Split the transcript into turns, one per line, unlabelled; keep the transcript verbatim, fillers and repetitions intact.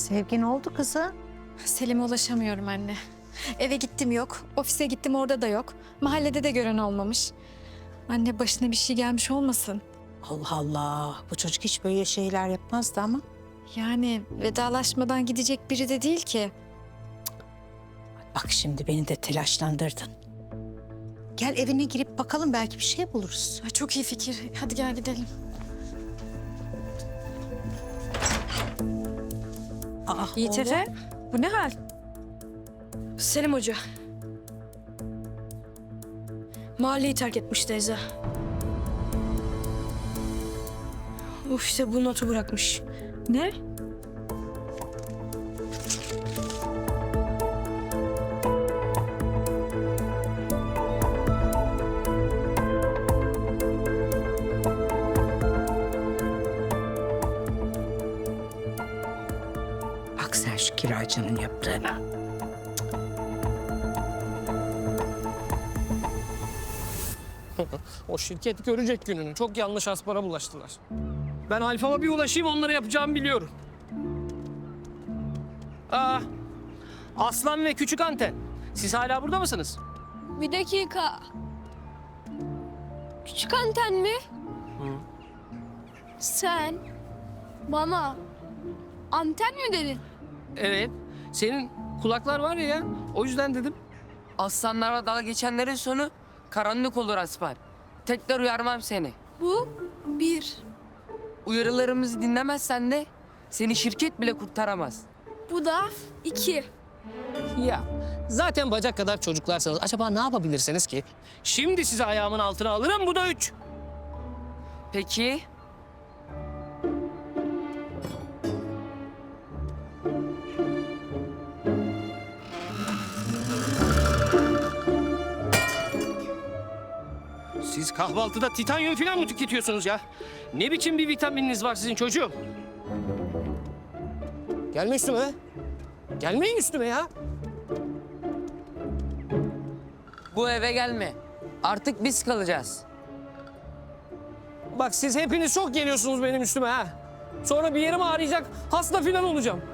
Sevgi ne oldu kızım?
Selim'e ulaşamıyorum anne. Eve gittim yok, ofise gittim orada da yok. Mahallede de gören olmamış. Anne başına bir şey gelmiş olmasın?
Allah Allah. Bu çocuk hiç böyle şeyler yapmazdı ama.
Yani vedalaşmadan gidecek biri de değil ki.
Bak şimdi beni de telaşlandırdın. Gel evine girip bakalım, belki bir şey buluruz.
Ay, çok iyi fikir. Hadi gel gidelim.
Aa,
Yiğit
oğlum.
Efe, bu ne hal?
Selim Hoca. Mahalleyi terk etmiş teyze. Uf, işte bu notu bırakmış.
Ne?
Bak sen şu kiracının yaptığına.
O şirket görecek gününü. Çok yanlış aspara bulaştılar. Ben Alfa'ma bir ulaşayım, onlara yapacağımı biliyorum. Aa, Aslan ve Küçük Anten. Siz hala burada mısınız?
Bir dakika. Küçük anten mi? Sen bana anten mi dedin?
Evet. Senin kulaklar var ya, o yüzden dedim.
Aslanlarla dalga geçenlerin sonu karanlık olur Aspar. Tekrar uyarmam seni.
Bu bir.
Uyarılarımızı dinlemezsen de seni şirket bile kurtaramaz.
Bu da iki.
Ya zaten bacak kadar çocuklarsanız acaba ne yapabilirsiniz ki? Şimdi sizi ayağımın altına alırım, bu da üç.
Peki
Siz kahvaltıda titanyum falan mı tüketiyorsunuz ya? Ne biçim bir vitamininiz var sizin çocuğum? Gelme üstüme. Gelmeyin üstüme ya.
bu eve gelme. Artık biz kalacağız.
Bak siz hepiniz çok geliyorsunuz benim üstüme ha. Sonra bir yerim ağrıyacak, hasta falan olacağım.